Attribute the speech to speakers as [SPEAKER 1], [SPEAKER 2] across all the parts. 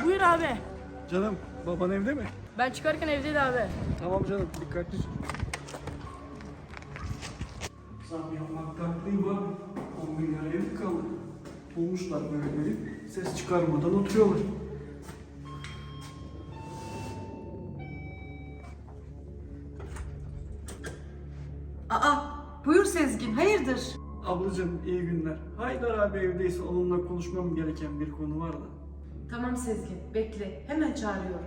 [SPEAKER 1] Buyur abi.
[SPEAKER 2] Canım, baban evde mi?
[SPEAKER 1] Ben çıkarken evdeydi abi.
[SPEAKER 2] Tamam canım, dikkatli. Zam yapmaktan değil var. 10 milyar ev kaldı. Bulmuşlar böyle evi, ses çıkarmadan oturuyorlar.
[SPEAKER 3] Aa, buyur Sezgin, hayırdır?
[SPEAKER 2] Ablacığım iyi günler. Haydar abi evdeyse onunla konuşmam gereken bir konu var da.
[SPEAKER 3] Tamam Sezgin, bekle. Hemen çağırıyorum.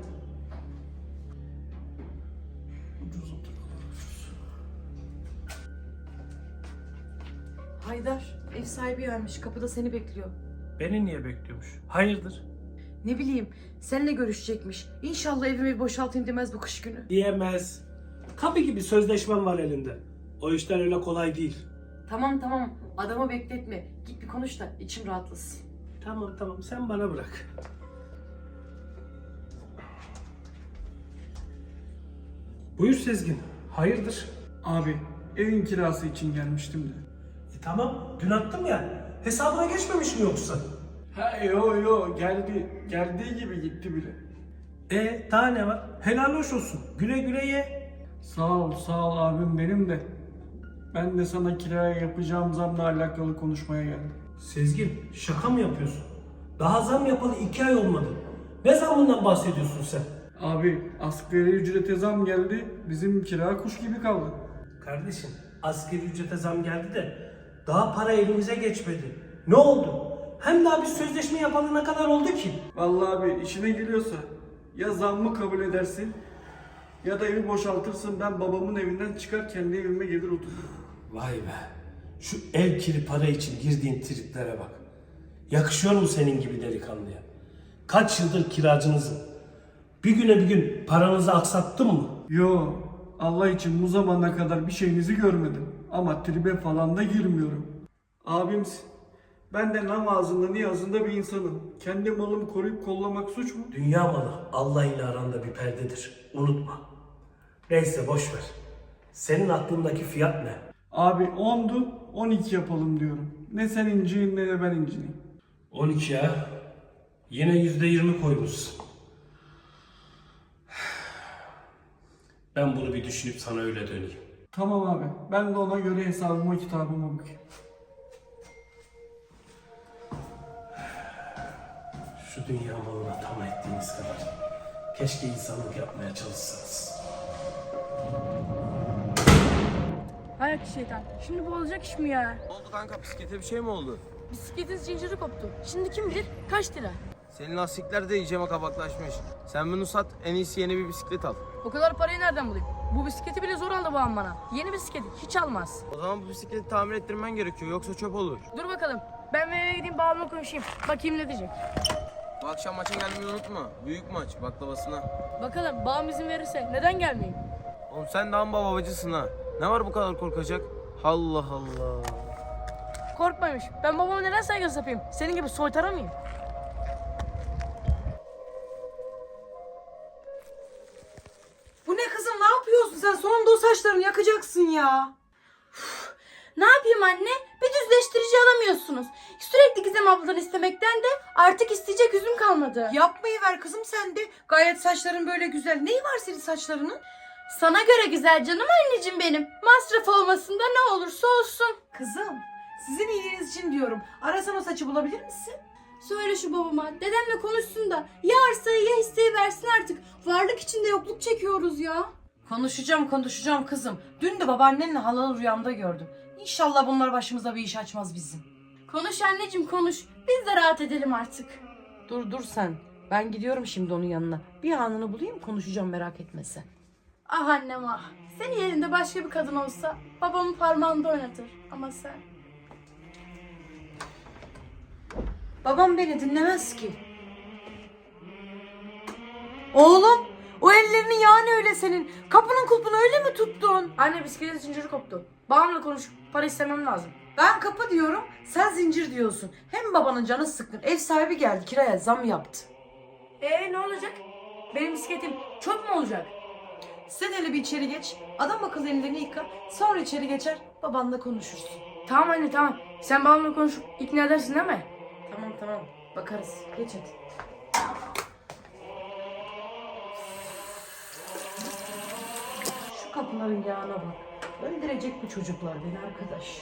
[SPEAKER 2] Ucuz oturuyorlar, ucuz.
[SPEAKER 3] Haydar, ev sahibi gelmiş. Kapıda seni bekliyor.
[SPEAKER 4] Beni niye bekliyormuş? Hayırdır?
[SPEAKER 3] Ne bileyim, seninle görüşecekmiş. İnşallah evimi boşaltayım demez bu kış günü.
[SPEAKER 4] Diyemez. Kapı gibi sözleşmem var elinde. O işler öyle kolay değil.
[SPEAKER 3] Tamam, adamı bekletme. Git bir konuş da içim rahatlasın.
[SPEAKER 4] Tamam sen bana bırak. Buyur Sezgin. Hayırdır?
[SPEAKER 2] Abi, evin kirası için gelmiştim de.
[SPEAKER 4] Tamam dün attım ya. Hesabına geçmemiş mi yoksa?
[SPEAKER 2] Ha yo geldi. Geldiği gibi gitti bile.
[SPEAKER 4] Daha ne var? Helal hoş olsun. Güle güle ye.
[SPEAKER 2] Sağ ol abim benim de. Ben de sana kiraya yapacağım zamla alakalı konuşmaya geldim.
[SPEAKER 4] Sezgin şaka mı yapıyorsun? Daha zam yapalı 2 ay olmadı. Ne zammından bahsediyorsun sen?
[SPEAKER 2] Abi asgari ücrete zam geldi. Bizim kira kuş gibi kaldı.
[SPEAKER 4] Kardeşim asgari ücrete zam geldi de daha para elimize geçmedi. Ne oldu? Hem daha bir sözleşme yapalı ne kadar oldu ki?
[SPEAKER 2] Vallahi abi işine geliyorsa ya zammı kabul edersin ya da evi boşaltırsın, ben babamın evinden çıkar kendi evime gelir otururum.
[SPEAKER 4] Vay be. Şu ev kiri para için girdiğin triplere bak. Yakışıyor mu senin gibi delikanlıya? Kaç yıldır kiracınızım. Bir güne bir gün paranızı aksattım mı?
[SPEAKER 2] Yo, Allah için bu zamana kadar bir şeyinizi görmedim ama tribe falan da girmiyorum. Abimsin. Ben de namazında niyazında bir insanım. Kendi malımı koruyup kollamak suç mu?
[SPEAKER 4] Dünya malı Allah ile aranda bir perdedir. Unutma. Neyse boş ver. Senin aklındaki fiyat ne?
[SPEAKER 2] Abi 10'du 12 yapalım diyorum. Ne sen inciyin ne de ben incineyim.
[SPEAKER 4] 12 ya. Yine %20 koymuşsun. Ben bunu bir düşünüp sana öyle döneyim.
[SPEAKER 2] Tamam abi, ben de ona göre hesabıma kitabıma bakayım.
[SPEAKER 4] Şu dünya malına tam ettiğiniz kadar keşke insanlık yapmaya çalışsanız.
[SPEAKER 1] Hay şeytan. Şimdi bu olacak iş mi ya?
[SPEAKER 5] Ne oldu kanka, bisiklete bir şey mi oldu?
[SPEAKER 1] Bisikletin zinciri koptu. Şimdi kim bilir kaç lira?
[SPEAKER 5] Senin lastikler de iyiceme kabaklaşmış. Sen bunu sat, en iyisi yeni bir bisiklet al.
[SPEAKER 1] O kadar parayı nereden bulayım? Bu bisikleti bile zor aldı babam bana. Yeni bisiklet hiç almaz.
[SPEAKER 5] O zaman bu bisikleti tamir ettirmen gerekiyor, yoksa çöp olur.
[SPEAKER 1] Dur bakalım. Ben eve gideyim babamla konuşayım. Bakayım ne diyecek.
[SPEAKER 5] Bu akşam maça gelmeyi unutma. Büyük maç, baklavasına.
[SPEAKER 1] Bakalım babam izin verirse neden gelmeyeyim?
[SPEAKER 5] Oğlum sen de amma babacısın ha. Ne var bu kadar korkacak? Allah Allah.
[SPEAKER 1] Korkmaymış. Ben babama neden saygısız yapayım? Senin gibi soytara mıyım?
[SPEAKER 3] Bu ne kızım, ne yapıyorsun sen? Sonunda o saçlarını yakacaksın ya.
[SPEAKER 6] Ne yapayım anne? Bir düzleştirici alamıyorsunuz. Sürekli Gizem abladan istemekten de artık isteyecek yüzüm kalmadı.
[SPEAKER 3] Yapmayı ver kızım sen de. Gayet saçların böyle güzel. Neyi var senin saçlarının?
[SPEAKER 6] Sana göre güzel canım anneciğim benim. Masraf olmasın da ne olursa olsun.
[SPEAKER 3] Kızım, sizin iyiliğiniz için diyorum. Arasan o saçı bulabilir misin?
[SPEAKER 6] Söyle şu babama. Dedemle konuşsun da ya arsayı ya hisseyi versin artık. Varlık içinde yokluk çekiyoruz ya.
[SPEAKER 3] Konuşacağım kızım. Dün de babaannenle halalı rüyamda gördüm. İnşallah bunlar başımıza bir iş açmaz bizim.
[SPEAKER 6] Konuş anneciğim konuş. Biz de rahat edelim artık.
[SPEAKER 3] Dur sen. Ben gidiyorum şimdi onun yanına. Bir anını bulayım, konuşacağım, merak etme sen.
[SPEAKER 6] Ah annem ah. Senin yerinde başka bir kadın olsa babamın parmağında oynatır. Ama sen...
[SPEAKER 3] Babam beni dinlemez ki. Oğlum, o ellerinin yani öyle senin. Kapının kulpunu öyle mi tuttun?
[SPEAKER 1] Anne bisikletin zinciri koptu. Babamla konuşup para istemem lazım.
[SPEAKER 3] Ben kapı diyorum, sen zincir diyorsun. Hem babanın canı sıkkın. Ev sahibi geldi, kiraya zam yaptı.
[SPEAKER 1] Ne olacak? Benim bisikletim çöp mü olacak?
[SPEAKER 3] Sen hele bir içeri geç. Adam akıllı ellerini yıka. Sonra içeri geçer, babanla konuşursun.
[SPEAKER 1] Tamam anne tamam. Sen babamla konuşup ikna edersin değil mi?
[SPEAKER 3] Tamam. Bakarız. Geç hadi. kapıların yağına bak. Öldürecek bu çocuklar beni arkadaş.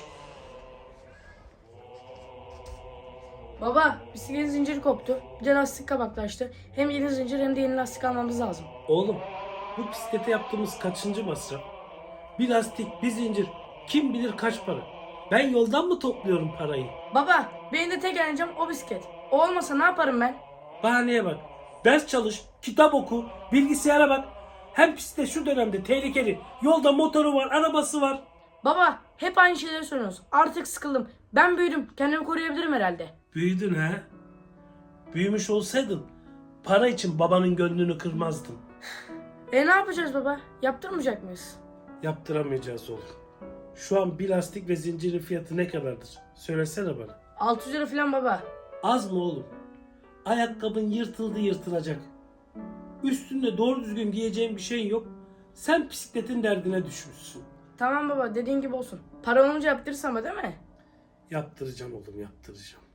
[SPEAKER 1] Baba bisikletin zinciri koptu. Bir de lastik kabaklaştı. Hem yeni zincir hem de yeni lastik almamız lazım.
[SPEAKER 4] Oğlum bu bisiklete yaptığımız kaçıncı masraf? Bir lastik, bir zincir. Kim bilir kaç para? Ben yoldan mı topluyorum parayı?
[SPEAKER 1] Baba benim de tek eğlencem o bisiklet. O olmasa ne yaparım ben?
[SPEAKER 4] Bahaneye bak. Ders çalış, kitap oku, bilgisayara bak. Hem bisiklet şu dönemde tehlikeli. Yolda motoru var, arabası var.
[SPEAKER 1] Baba hep aynı şeyleri söylüyorsunuz. Artık sıkıldım. Ben büyüdüm. Kendimi koruyabilirim herhalde.
[SPEAKER 4] Büyüdün ha? Büyümüş olsaydın para için babanın gönlünü kırmazdın.
[SPEAKER 1] Ne yapacağız baba? Yaptırmayacak mıyız?
[SPEAKER 4] Yaptıramayacağız oğlum. Şu an bir lastik ve zincirin fiyatı ne kadardır? Söylesene bana.
[SPEAKER 1] 600 lira falan baba.
[SPEAKER 4] Az mı oğlum? Ayakkabın yırtıldı yırtılacak. Üstünde doğru düzgün giyeceğin bir şeyin yok. Sen bisikletin derdine düşmüşsün.
[SPEAKER 1] Tamam baba dediğin gibi olsun. Para olunca yaptırırsın ama değil mi?
[SPEAKER 4] Yaptıracağım oğlum, yaptıracağım.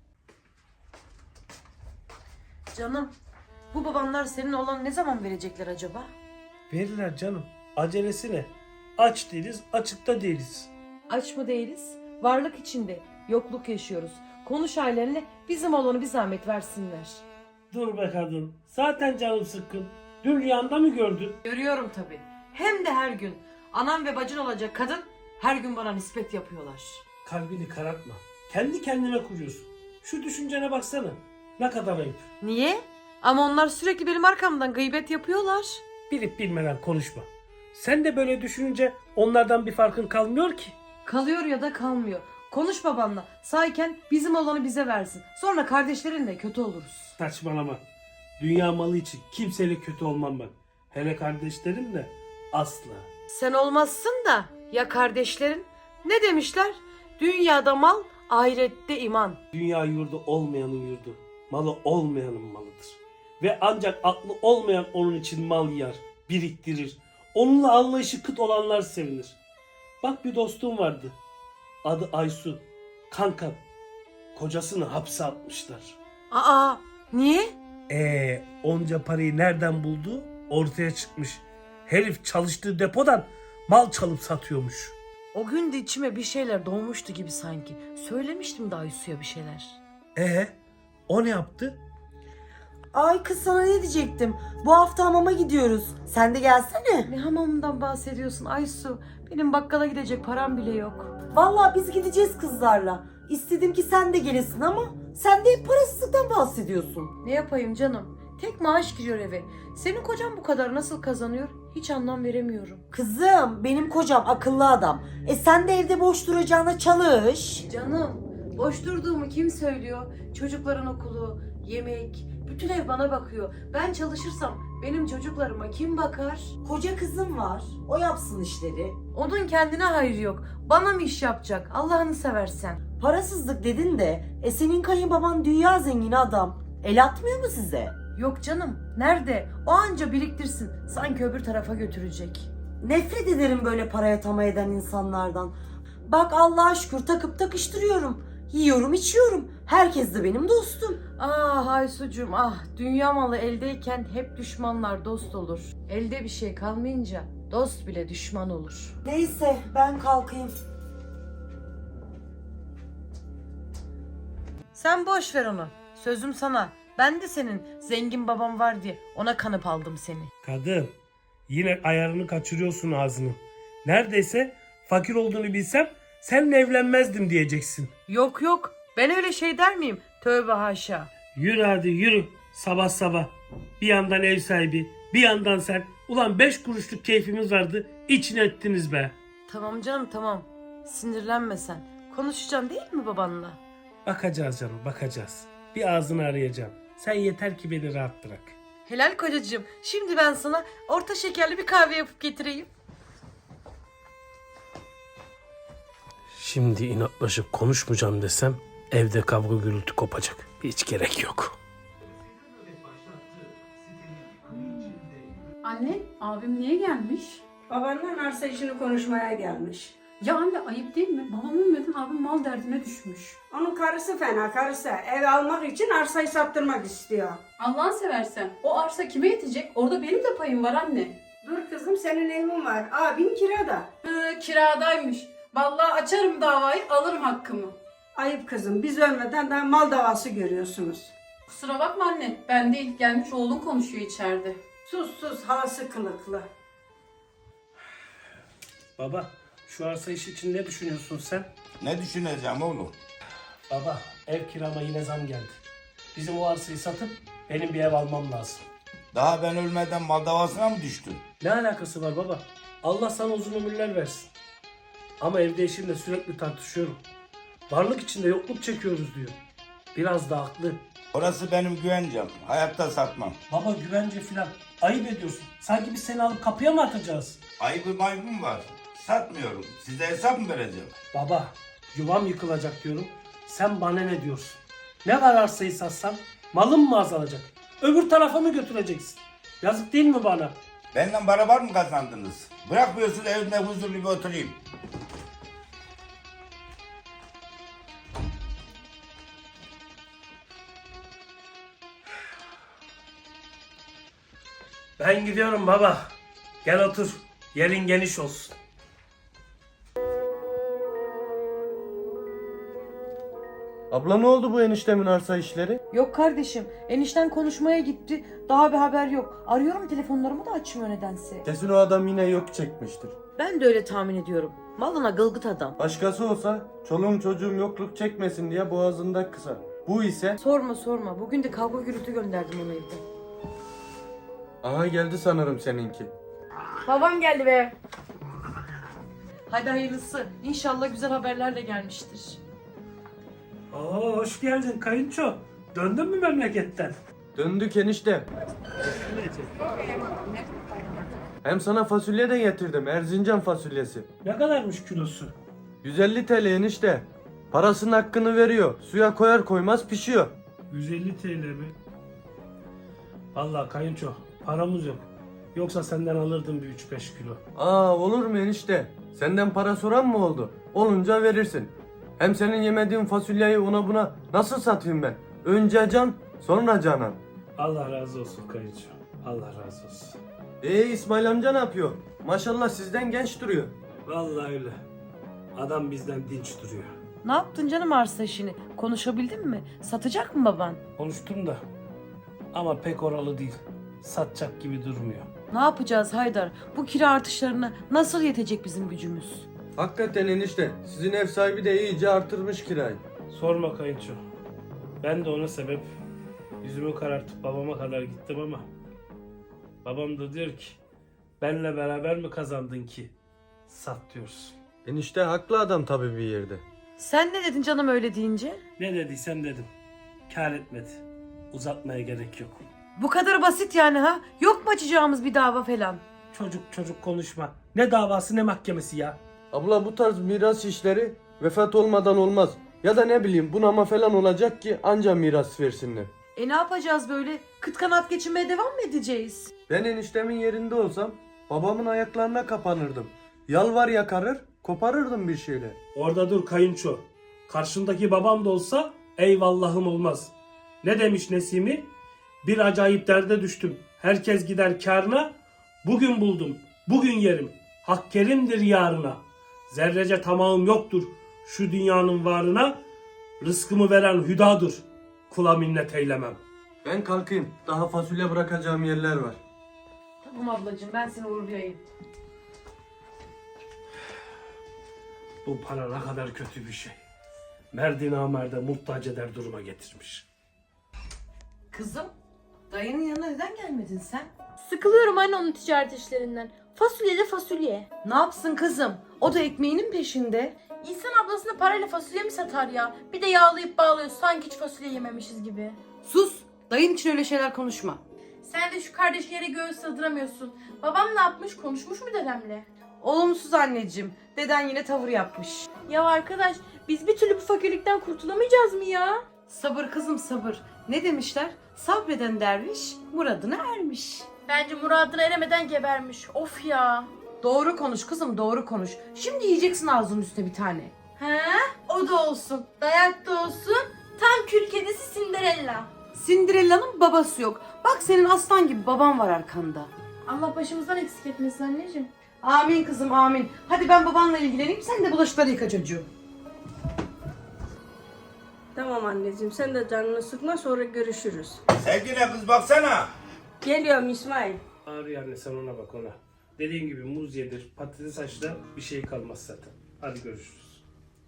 [SPEAKER 3] Canım, bu babanlar senin olan ne zaman verecekler acaba?
[SPEAKER 4] Verirler canım. Acelesi ne? Aç değiliz, açıkta değiliz.
[SPEAKER 3] Aç mı değiliz? Varlık içinde, yokluk yaşıyoruz. Konuş ailenle bizim olanı bir zahmet versinler.
[SPEAKER 4] Dur be kadın. Zaten canım sıkkın. Dün rüyanda mı gördün?
[SPEAKER 3] Görüyorum tabii. Hem de her gün. Anam ve bacın olacak kadın her gün bana nispet yapıyorlar.
[SPEAKER 4] Kalbini karartma. Kendi kendine kuruyorsun. Şu düşüncene baksana. Ne kadar ayıp.
[SPEAKER 3] Niye? Ama onlar sürekli benim arkamdan gıybet yapıyorlar.
[SPEAKER 4] Bilip bilmeden konuşma. Sen de böyle düşününce onlardan bir farkın kalmıyor ki.
[SPEAKER 3] Kalıyor ya da kalmıyor. Konuş babanla. Sağken bizim olanı bize versin. Sonra kardeşlerinle kötü oluruz.
[SPEAKER 4] Saçmalama. Dünya malı için kimseyle kötü olmam ben. Hele kardeşlerimle asla.
[SPEAKER 3] Sen olmazsın da ya kardeşlerin? Ne demişler? Dünyada mal, ahirette iman.
[SPEAKER 4] Dünya yurdu olmayanın yurdu. Malı olmayanın malıdır. Ve ancak aklı olmayan onun için mal yer, biriktirir. Onunla anlayışı kıt olanlar sevinir. Bak bir dostum vardı. Adı Aysu. Kankam. Kocasını hapse atmışlar.
[SPEAKER 3] Aa, niye?
[SPEAKER 4] Onca parayı nereden buldu? Ortaya çıkmış. Herif çalıştığı depodan mal çalıp satıyormuş.
[SPEAKER 3] O gün de içime bir şeyler doğmuştu gibi sanki. Söylemiştim de Aysu'ya bir şeyler.
[SPEAKER 4] O ne yaptı?
[SPEAKER 7] Ay kız sana ne diyecektim? Bu hafta hamama gidiyoruz. Sen de gelsene.
[SPEAKER 3] Ne hamamından bahsediyorsun Aysu? Benim bakkala gidecek param bile yok.
[SPEAKER 7] Vallahi biz gideceğiz kızlarla. İstedim ki sen de gelesin ama sen de hep parasızlıktan bahsediyorsun.
[SPEAKER 3] Ne yapayım canım? Tek maaş giriyor eve. Senin kocan bu kadar nasıl kazanıyor? Hiç anlam veremiyorum.
[SPEAKER 7] Kızım benim kocam akıllı adam. Sen de evde boş duracağına çalış.
[SPEAKER 3] Canım, boş durduğumu kim söylüyor? Çocukların okulu, yemek, bütün ev bana bakıyor. Ben çalışırsam benim çocuklarıma kim bakar?
[SPEAKER 7] Koca kızım var. O yapsın işleri.
[SPEAKER 3] Onun kendine hayrı yok. Bana mı iş yapacak? Allah'ını seversen.
[SPEAKER 7] Parasızlık dedin de senin kayınbaban dünya zengini adam. El atmıyor mu size?
[SPEAKER 3] Yok canım, nerede? O anca biriktirsin. Sanki öbür tarafa götürecek.
[SPEAKER 7] Nefret ederim böyle paraya tamah eden insanlardan. Bak Allah'a şükür takıp takıştırıyorum. Yiyorum içiyorum. Herkes de benim dostum.
[SPEAKER 3] Ah Aysucuğum ah, dünya malı eldeyken hep düşmanlar dost olur. Elde bir şey kalmayınca dost bile düşman olur.
[SPEAKER 7] Neyse ben kalkayım.
[SPEAKER 3] Sen boş ver onu. Sözüm sana. Ben de senin zengin babam var diye ona kanıp aldım seni.
[SPEAKER 4] Kadın, yine ayarını kaçırıyorsun ağzını. Neredeyse fakir olduğunu bilsem seninle evlenmezdim diyeceksin.
[SPEAKER 3] Yok yok, ben öyle şey der miyim? Tövbe haşa.
[SPEAKER 4] Yürü hadi yürü. Sabah sabah. Bir yandan ev sahibi, bir yandan sen. Ulan 5 kuruşluk keyfimiz vardı. İçine ettiniz be.
[SPEAKER 3] Tamam canım tamam. Sinirlenme sen. Konuşacağım değil mi babanla?
[SPEAKER 4] Bakacağız canım, bakacağız. Bir ağzını arayacağım. Sen yeter ki beni rahat bırak.
[SPEAKER 3] Helal kocacığım. Şimdi ben sana orta şekerli bir kahve yapıp getireyim.
[SPEAKER 4] Şimdi inatlaşıp konuşmayacağım desem evde kavga gürültü kopacak. Hiç gerek yok.
[SPEAKER 8] Anne, abim niye gelmiş?
[SPEAKER 9] Babandan arsa işini konuşmaya gelmiş.
[SPEAKER 8] Ya anne ayıp değil mi? Babam ölmeden abim mal derdine düşmüş.
[SPEAKER 9] Onun karısı fena karısı. Ev almak için arsayı sattırmak istiyor.
[SPEAKER 8] Allah'ını seversen o arsa kime yetecek? Orada benim de payım var anne.
[SPEAKER 9] Dur kızım senin evin var. Abin kirada.
[SPEAKER 8] Kiradaymış. Vallahi açarım davayı, alırım hakkımı.
[SPEAKER 9] Ayıp kızım biz ölmeden daha mal davası görüyorsunuz.
[SPEAKER 8] Kusura bakma anne, ben değil, gelmiş oğlun konuşuyor içeride.
[SPEAKER 9] Sus sus halası kılıklı.
[SPEAKER 4] Baba, şu arsa işi için ne düşünüyorsun sen?
[SPEAKER 10] Ne düşüneceğim oğlum?
[SPEAKER 4] Baba, ev kirama yine zam geldi. Bizim o arsayı satıp benim bir ev almam lazım.
[SPEAKER 10] Daha ben ölmeden mal davasına mı düştün?
[SPEAKER 4] Ne alakası var baba? Allah sana uzun ömürler versin. Ama evde eşimle sürekli tartışıyorum. Varlık içinde yokluk çekiyoruz diyor. Biraz da haklı.
[SPEAKER 10] Orası benim güvencem. Hayatta satmam.
[SPEAKER 4] Baba güvence filan. Ayıp ediyorsun. Sanki biz seni alıp kapıya mı atacağız?
[SPEAKER 10] Ayıbım var. Satmıyorum. Size hesap mı vereceğim?
[SPEAKER 4] Baba, yuvam yıkılacak diyorum. Sen bana ne diyorsun? Ne var arsayı satsam? Malım mı azalacak? Öbür tarafa mı götüreceksin? Yazık değil mi bana?
[SPEAKER 10] Benden beraber mı kazandınız? Bırakmıyorsun evimde huzurlu bir oturayım.
[SPEAKER 4] Ben gidiyorum baba. Gel otur. Yerin geniş olsun.
[SPEAKER 2] Abla ne oldu bu eniştemin arsa işleri?
[SPEAKER 7] Yok kardeşim, enişten konuşmaya gitti. Daha bir haber yok. Arıyorum telefonlarımı da açmıyor nedense.
[SPEAKER 2] Kesin o adam yine yok çekmiştir.
[SPEAKER 7] Ben de öyle tahmin ediyorum. Malına gılgıt adam.
[SPEAKER 2] Başkası olsa çoluğum çocuğum yokluk çekmesin diye boğazında kısar. Bu ise...
[SPEAKER 7] Sorma. Bugün de kavga gürültü gönderdim onu evde.
[SPEAKER 2] Aha geldi sanırım seninki.
[SPEAKER 1] Babam geldi be.
[SPEAKER 7] Hadi hayırlısı. İnşallah güzel haberlerle gelmiştir.
[SPEAKER 4] Oo, hoş geldin kayınço. Döndün mü memleketten?
[SPEAKER 2] Döndük enişte. Hem sana fasulye de getirdim. Erzincan fasulyesi.
[SPEAKER 4] Ne kadarmış kilosu?
[SPEAKER 2] 150 TL enişte. Parasının hakkını veriyor. Suya koyar koymaz pişiyor.
[SPEAKER 4] 150 TL mi? Vallahi kayınço paramız yok. Yoksa senden alırdım bir 3-5 kilo.
[SPEAKER 2] Aa olur mu enişte? Senden para soran mı oldu? Olunca verirsin. Hem senin yemediğin fasulyeyi ona buna nasıl satayım ben? Önce can, sonra canan.
[SPEAKER 4] Allah razı olsun kayınço. Allah razı olsun.
[SPEAKER 2] İsmail amca ne yapıyor? Maşallah sizden genç duruyor.
[SPEAKER 4] Vallahi öyle. Adam bizden dinç duruyor.
[SPEAKER 7] Ne yaptın canım arsa işini? Konuşabildin mi? Satacak mı baban?
[SPEAKER 4] Konuştum da ama pek oralı değil. Satacak gibi durmuyor.
[SPEAKER 7] Ne yapacağız Haydar? Bu kira artışlarına nasıl yetecek bizim gücümüz?
[SPEAKER 2] Hakikaten enişte. Sizin ev sahibi de iyice artırmış kirayı.
[SPEAKER 4] Sorma kayınço. Ben de ona sebep yüzümü karartıp babama kadar gittim ama babam da diyor ki benle beraber mi kazandın ki sat diyorsun.
[SPEAKER 2] Enişte haklı adam tabii bir yerde.
[SPEAKER 7] Sen ne dedin canım öyle deyince?
[SPEAKER 4] Ne dediysem dedim. Kâr etmedi. Uzatmaya gerek yok.
[SPEAKER 7] Bu kadar basit yani ha? Yok mu açacağımız bir dava falan?
[SPEAKER 4] Çocuk konuşma. Ne davası ne mahkemesi ya.
[SPEAKER 2] Abla bu tarz miras işleri vefat olmadan olmaz. Ya da ne bileyim bunama falan olacak ki anca miras versinler.
[SPEAKER 7] Ne yapacağız böyle? Kıt kanat geçinmeye devam mı edeceğiz?
[SPEAKER 2] Ben eniştemin yerinde olsam babamın ayaklarına kapanırdım. Yalvar yakarır, koparırdım bir şeyle.
[SPEAKER 4] Orada dur kayınço. Karşındaki babam da olsa eyvallahım olmaz. Ne demiş Nesimi? Bir acayip derde düştüm. Herkes gider kârına. Bugün buldum. Bugün yerim. Hak kerimdir yarına. Zerrece tamahım yoktur şu dünyanın varına. Rızkımı veren hüdadır. Kula minnet eylemem.
[SPEAKER 2] Ben kalkayım. Daha fasulye bırakacağım yerler var.
[SPEAKER 7] Tamam ablacığım ben seni uğurlayayım.
[SPEAKER 4] Bu para ne kadar kötü bir şey. Merdi namerde muhtaç eder duruma getirmiş.
[SPEAKER 7] Kızım, dayının yanına neden gelmedin sen?
[SPEAKER 6] Sıkılıyorum anne onun ticaret işlerinden. Fasulye de fasulye.
[SPEAKER 7] Ne yapsın kızım? O da ekmeğinin peşinde.
[SPEAKER 6] İnsan ablasına parayla fasulye mi satar ya? Bir de yağlayıp bağlıyor sanki hiç fasulye yememişiz gibi.
[SPEAKER 7] Sus, dayın için öyle şeyler konuşma.
[SPEAKER 6] Sen de şu kardeşlere göğüs sığdıramıyorsun. Babam ne yapmış? Konuşmuş mu dedemle?
[SPEAKER 7] Olumsuz anneciğim, deden yine tavır yapmış.
[SPEAKER 6] Ya arkadaş biz bir türlü bu fakirlikten kurtulamayacağız mı ya?
[SPEAKER 7] Sabır kızım sabır. Ne demişler? Sabreden derviş muradına ermiş.
[SPEAKER 6] Bence muradına eremeden gebermiş. Of ya.
[SPEAKER 7] Doğru konuş kızım doğru konuş. Şimdi yiyeceksin ağzının üstüne bir tane.
[SPEAKER 6] He? O da olsun. Dayak da olsun. Tam kül kedisi Cinderella.
[SPEAKER 7] Cinderella'nın babası yok. Bak senin aslan gibi baban var arkanda.
[SPEAKER 6] Allah başımızdan eksik etmesin anneciğim.
[SPEAKER 3] Amin kızım amin. Hadi ben babanla ilgileneyim, sen de bulaşıkları yıka çocuğum.
[SPEAKER 9] Tamam anneciğim, sen de canını sıkma, sonra görüşürüz.
[SPEAKER 10] Sevgili kız baksana.
[SPEAKER 9] Geliyorum İsmail.
[SPEAKER 4] Ağrıyor anne, sen ona bak ona. Dediğin gibi muz yedir, patates haşla, bir şey kalmaz zaten. Hadi görüşürüz.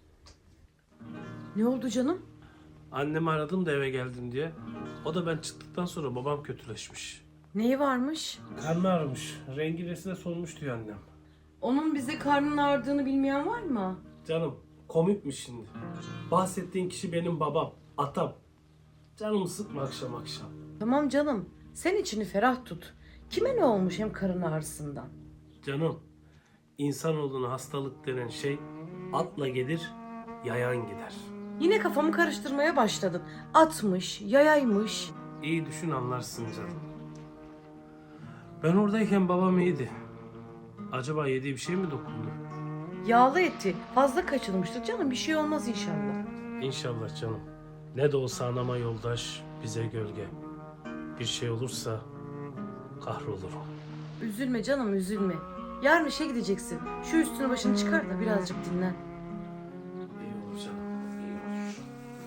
[SPEAKER 3] Ne oldu canım?
[SPEAKER 4] Annemi aradım da eve geldim diye. O da ben çıktıktan sonra babam kötüleşmiş.
[SPEAKER 3] Neyi varmış?
[SPEAKER 4] Karnı ağrımış. Rengi resine solmuş diyor annem.
[SPEAKER 3] Onun bize karnının ağrıdığını bilmeyen var mı?
[SPEAKER 4] Canım komikmiş şimdi. Bahsettiğin kişi benim babam, atam. Canımı sıkma akşam akşam.
[SPEAKER 3] Tamam canım, sen içini ferah tut. Kime ne olmuş hem karın ağrısından?
[SPEAKER 4] Canım, insanoğluna hastalık denen şey atla gelir, yayan gider.
[SPEAKER 3] Yine kafamı karıştırmaya başladın. Atmış, yayaymış.
[SPEAKER 4] İyi düşün anlarsın canım. Ben oradayken babam iyiydi. Acaba yediği bir şey mi dokundu?
[SPEAKER 3] Yağlı eti fazla kaçırmıştır canım, bir şey olmaz inşallah.
[SPEAKER 4] İnşallah canım. Ne de olsa anama yoldaş, bize gölge. Bir şey olursa kahrolurum.
[SPEAKER 3] Üzülme canım, üzülme. Yarın işe gideceksin. Şu üstünü başını çıkar da birazcık dinlen.
[SPEAKER 4] İyi olur canım, iyi olur.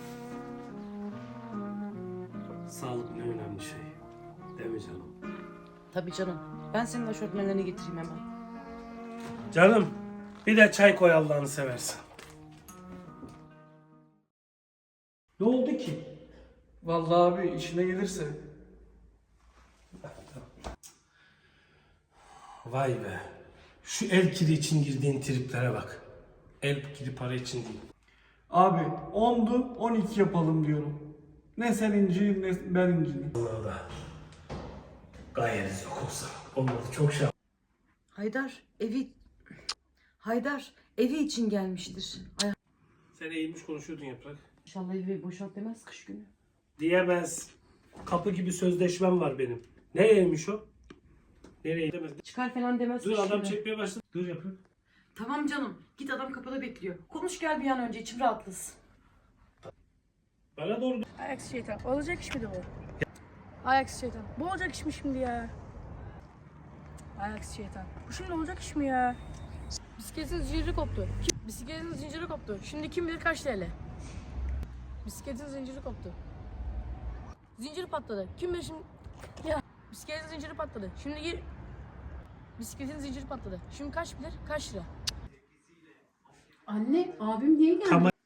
[SPEAKER 4] Sağlık ne önemli şey. Değil mi canım?
[SPEAKER 3] Tabii canım. Ben senin aşortmenlerini getireyim hemen.
[SPEAKER 4] Canım, bir de çay koy Allah'ını seversen. Ne oldu ki?
[SPEAKER 2] Vallahi abi işine gelirse.
[SPEAKER 4] Vay be. Şu el kiri için girdiğin triplere bak. El kiri para için değil.
[SPEAKER 2] Abi 10'du 12 yapalım diyorum. Ne sen inciyim ne ben inciyim.
[SPEAKER 4] Allah da gayet yok olsa. Olmadı, çok şey.
[SPEAKER 3] Haydar evi için gelmiştir. Ay,
[SPEAKER 4] Sen eğilmiş konuşuyordun Yaprak.
[SPEAKER 3] inşallah evi boşalt demez kış günü.
[SPEAKER 4] Diyemez. Kapı gibi sözleşmem var benim. Nereymiş o? Nereye demez.
[SPEAKER 3] Çıkar falan demez
[SPEAKER 4] Dur
[SPEAKER 3] kış
[SPEAKER 4] adam
[SPEAKER 3] günü.
[SPEAKER 4] çekmeye başladı. Dur Yaprak.
[SPEAKER 3] Tamam canım. Git, adam kapıda bekliyor. Konuş gel bir an önce, içim rahatlasın.
[SPEAKER 4] Bana doğru.
[SPEAKER 1] Ayaksız şeytan. Olacak iş miydi bu? Ayaksız şeytan. Bu olacak iş mi şimdi ya? Ayaksız şeytan. Bu şimdi olacak iş mi ya? Bisikletin zinciri koptu. Bisikletin zinciri koptu. Şimdi kim bilir kaç TL? Bisikletin zinciri koptu. Zincir patladı. Kim bilir şimdi... Ya. Bisikletin zinciri patladı. Şimdi gir... Bisikletin zinciri patladı. Şimdi kaç bilir? Kaç lira?
[SPEAKER 8] Anne, abim niye gelmiş?
[SPEAKER 4] Tamam.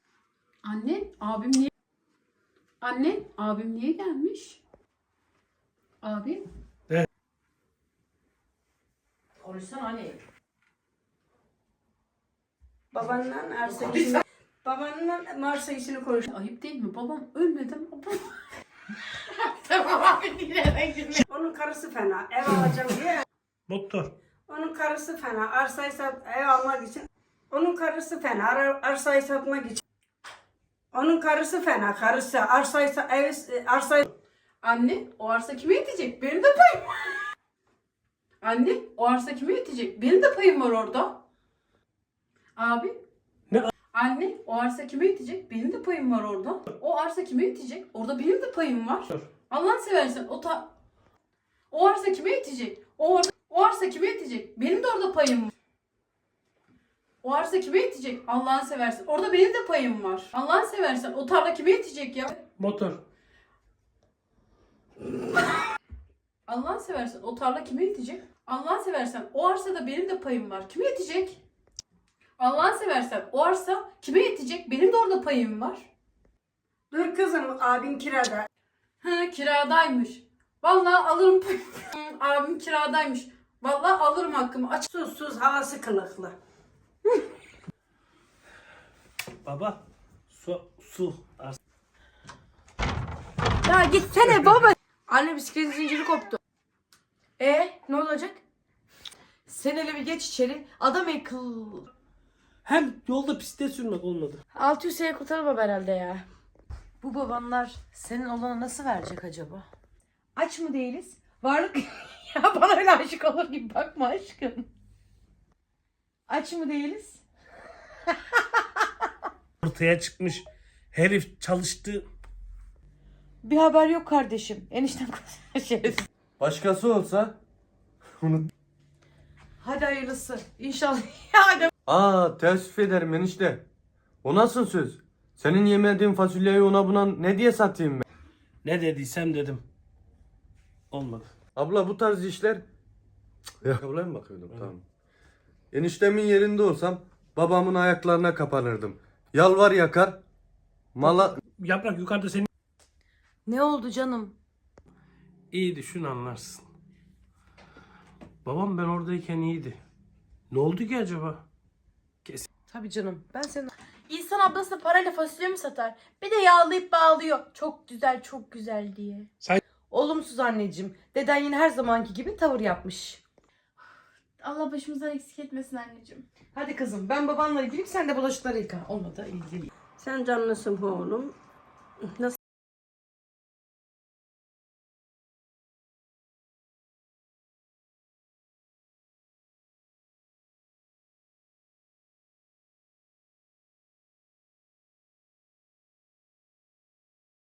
[SPEAKER 8] Anne, abim niye gelmiş? Abi?
[SPEAKER 3] Konuşsana anne.
[SPEAKER 9] Babanla arsa işini, babanla arsa işini konuş.
[SPEAKER 8] Ayıp değil mi? Babam ölmedi mi?
[SPEAKER 1] Tamam abi dinle.
[SPEAKER 9] Onun karısı fena, ev alacağım diye.
[SPEAKER 4] Doktor.
[SPEAKER 9] Onun karısı fena, arsayı sat, ev almak için. Onun karısı fena, arsayı satmak için. Onun karısı fena, karısı arsayı
[SPEAKER 8] Anne, o arsa kime yetecek? Benim de payım var. Anne, o arsa kime yetecek? Benim de payım var orada. Abi?
[SPEAKER 4] Ne?
[SPEAKER 8] Anne, o arsa kime yetecek? Benim de payım var orada. O arsa kime yetecek? Orada benim de payım var. Allah'ını seversen o arsa kime yetecek? O arsa kime yetecek? Benim de orada payım var. O arsa kime yetecek? Allah'ını seversen. Orada benim de payım var. Allah'ını seversen. O tarla kime yetecek ya?
[SPEAKER 4] Motor.
[SPEAKER 8] Allah'ını seversen. O tarla kime yetecek? Allah'ını seversen. O arsada benim de payım var. Kime yetecek? Allah'ını seversen. O arsa kime yetecek? Benim de orada payım var.
[SPEAKER 9] Dur kızım, abin kirada.
[SPEAKER 8] Ha, kiradaymış. Vallahi alırım payımı. Abim kiradaymış. Vallahi alırım hakkımı. Aç.
[SPEAKER 9] Sus, havası kılıklı.
[SPEAKER 4] Baba. Su.
[SPEAKER 1] Ya gitsene baba. Anne bisikletin zinciri koptu. Ne olacak?
[SPEAKER 3] Sen hele bir geç içeri. Adam
[SPEAKER 4] Hem yolda bisiklet sürmek olmadı.
[SPEAKER 1] 600 TL kurtarır herhalde ya.
[SPEAKER 3] Bu babanlar senin olana nasıl verecek acaba? Aç mı değiliz? Varlık... ya bana öyle aşık olur gibi bakma aşkım. Aç mı değiliz?
[SPEAKER 4] Ortaya çıkmış. Herif çalıştı.
[SPEAKER 3] Bir haber yok kardeşim. Enişten şerefsiz.
[SPEAKER 2] Başkası olsa
[SPEAKER 3] Hadi hayırlısı. İnşallah. Hadi.
[SPEAKER 2] Aa, teessüf ederim enişte. O nasıl söz? Senin yemediğin fasulyeyi ona buna ne diye satayım ben?
[SPEAKER 4] Ne dediysem dedim. Olmadı.
[SPEAKER 2] Abla bu tarz işler... Ayakkabılara mı bakıyordum? Tamam. Eniştemin yerinde olsam babamın ayaklarına kapanırdım. Yalvar yakar. Mala...
[SPEAKER 4] Yaprak yukarıda senin
[SPEAKER 3] Ne oldu canım?
[SPEAKER 4] iyi düşün anlarsın. Babam ben oradayken iyiydi. Ne oldu ki acaba?
[SPEAKER 3] Tabii canım. Ben senin...
[SPEAKER 6] İnsan ablasına parayla fasulye mi satar? Bir de yağlayıp bağlıyor. Çok güzel, çok güzel diye.
[SPEAKER 3] Olumsuz anneciğim. Deden yine her zamanki gibi tavır yapmış.
[SPEAKER 6] Allah başımızdan eksik etmesin anneciğim.
[SPEAKER 3] Hadi kızım ben babanla ilgiliyim sen de bulaşıkları yıka. Olmadı ilgili.
[SPEAKER 9] Sen canlısın oğlum. Nasıl